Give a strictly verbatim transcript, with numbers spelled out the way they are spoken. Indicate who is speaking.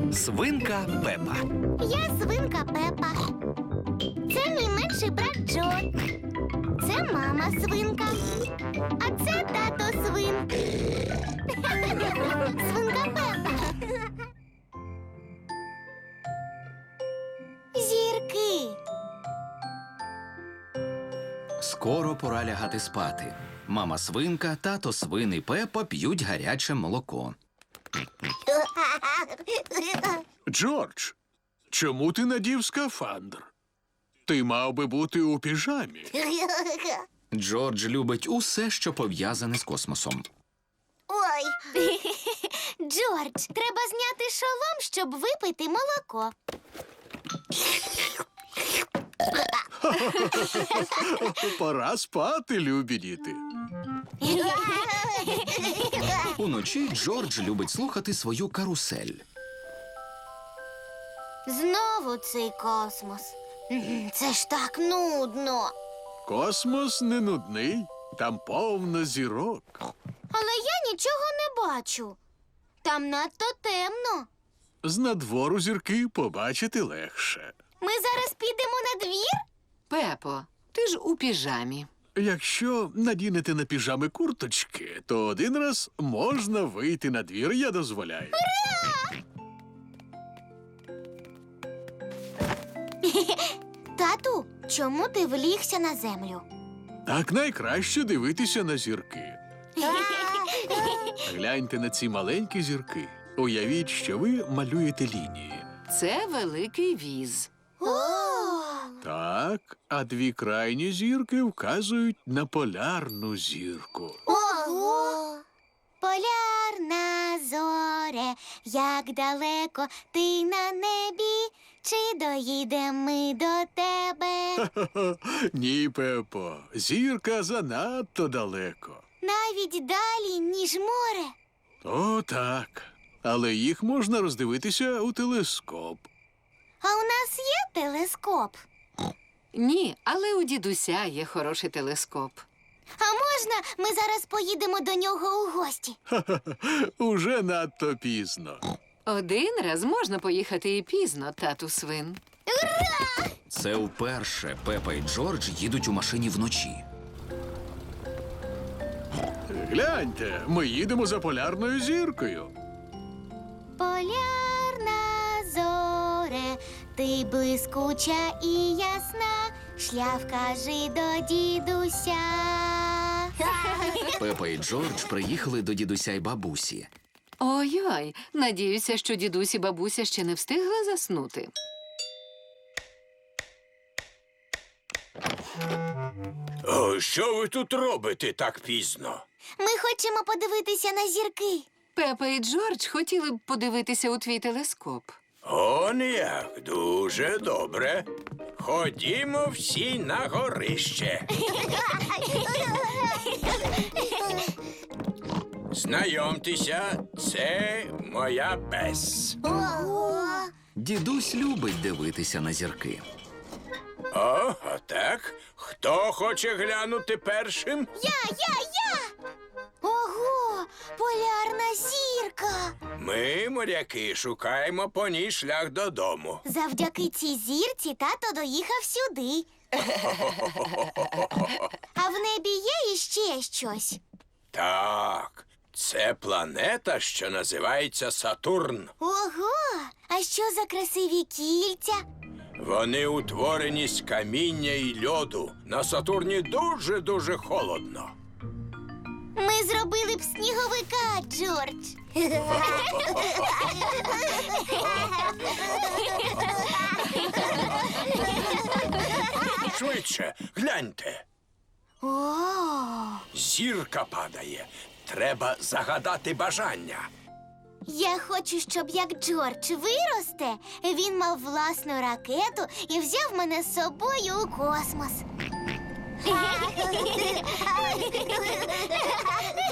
Speaker 1: Свинка Пепа.
Speaker 2: Я свинка Пепа. Це мій менший брат Джо. Це мама свинка. А це тато свин. Свинка Пепа. Зірки.
Speaker 1: Скоро пора лягати спати. Мама свинка, тато свин і Пепа п'ють гаряче молоко.
Speaker 3: Джордж, чому ти надів скафандр? Ти мав би бути у піжамі.
Speaker 1: Джордж любить усе, що пов'язане з космосом.
Speaker 2: Ой. Джордж, треба зняти шолом, щоб випити молоко.
Speaker 3: Пора спати, любі діти.
Speaker 1: Уночі Джордж любить слухати свою карусель.
Speaker 2: Знову цей космос. Це ж так нудно.
Speaker 3: Космос не нудний, там повно зірок.
Speaker 2: Але я нічого не бачу. Там надто темно.
Speaker 3: З надвору зірки побачити легше.
Speaker 2: Ми зараз підемо на двір?
Speaker 4: Пепо, ти ж у піжамі.
Speaker 3: Якщо надінете на піжами курточки, то один раз можна вийти на двір, я дозволяю.
Speaker 2: Тату, чому ти влігся на землю?
Speaker 3: Так найкраще дивитися на зірки. Гляньте на ці маленькі зірки. Уявіть, що ви малюєте лінії.
Speaker 4: Це великий віз.
Speaker 3: Так, а дві крайні зірки вказують на полярну зірку.
Speaker 2: Ого! Полярна зоре, як далеко ти на небі, чи доїдемо ми до тебе?
Speaker 3: Ні, Пепо, зірка занадто далеко.
Speaker 2: Навіть далі, ніж море.
Speaker 3: О, так. Але їх можна роздивитися у телескоп.
Speaker 2: А у нас є телескоп?
Speaker 4: Ні, але у дідуся є хороший телескоп.
Speaker 2: А можна ми зараз поїдемо до нього у гості?
Speaker 3: Уже надто пізно.
Speaker 4: Один раз можна поїхати і пізно, тату свин.
Speaker 1: Це вперше Пепа і Джордж їдуть у машині вночі.
Speaker 3: Гляньте, ми їдемо за полярною зіркою.
Speaker 2: Полярна зоре, ти блискуча і ясна, шлях вкажи до дідуся.
Speaker 1: Пепа і Джордж приїхали до дідуся й бабусі.
Speaker 4: Ой-ой, надіюся, що дідусь і бабуся ще не встигли заснути.
Speaker 5: О, що ви тут робите так пізно?
Speaker 2: Ми хочемо подивитися на зірки.
Speaker 4: Пепа і Джордж хотіли б подивитися у твій телескоп.
Speaker 5: Он як, дуже добре. Ходімо всі на горище. Знайомтеся, це моя Бес.
Speaker 2: Ого!
Speaker 1: Дідусь любить дивитися на зірки.
Speaker 5: О, так. Хто хоче глянути першим?
Speaker 2: Я, я, я! Ого! Полярна зірка!
Speaker 5: Ми, моряки, шукаємо по ній шлях додому.
Speaker 2: Завдяки цій зірці тато доїхав сюди. А в небі є іще щось.
Speaker 5: Так, це планета, що називається Сатурн.
Speaker 2: Ого! А що за красиві кільця?
Speaker 5: Вони утворені з каміння і льоду. На Сатурні дуже-дуже холодно.
Speaker 2: Ми зробили б сніговика, Джордж.
Speaker 5: Швидше, гляньте.
Speaker 2: О!
Speaker 5: Зірка падає. Треба загадати бажання.
Speaker 2: Я хочу, щоб як Джордж виросте, він мав власну ракету і взяв мене з собою у космос.